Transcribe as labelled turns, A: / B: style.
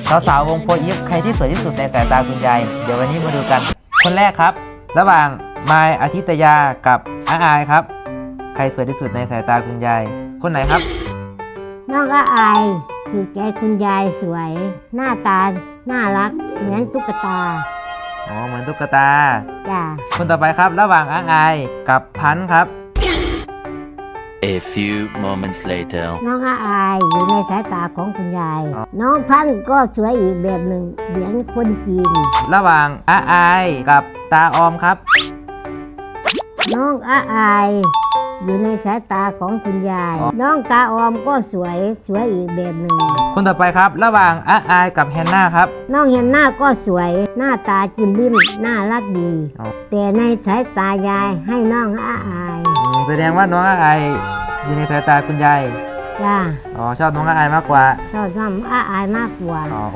A: สาวๆวงโฟร์อีฟใครที่สวยที่สุดในสายตาคุณยายเดี๋ยววันนี้มาดูกันคนแรกครับระหว่างมายอาทิตยากับอาอายครับใครสวยที่สุดในสายตาคุณยายคนไหนครับ
B: น้องก็อายถูกใจคุณยายสวย หน้าตาน่ารักเหมือนตุ๊กตา
A: อ๋อเหมือนตุ๊กตา
B: จ้า
A: คนต่อไปครับระหว่างอาอายกับพันธุ์ครับ
C: A few moments later
B: น้องอายอยู่ในสายตาของคุณยาย น้องพันธุ์ก็สวยอีกแบบหนึ่งเหมือนคนจีน
A: ระหว่างอาอายกับตาออมครับ
B: น้องอายอยู่ในสายตาของคุณยาย น้องตาออมก็สวยอีกแบบหนึ่ง
A: คนต่อไปครับระหว่างอาอายกับแฮนนาครับ
B: น้องเห็นหน้าก็สวยหน้าตาจิ้มลิ้มน่ารักดี แต่ในสายตายายให้น้องอาย
A: แสดงว่าน้องอาอายอยู่ในสายตาคุณยาย
B: จ้า
A: อ๋อชอบน้องอาอายมากกว่า
B: ชอบน้องอายมากกว่า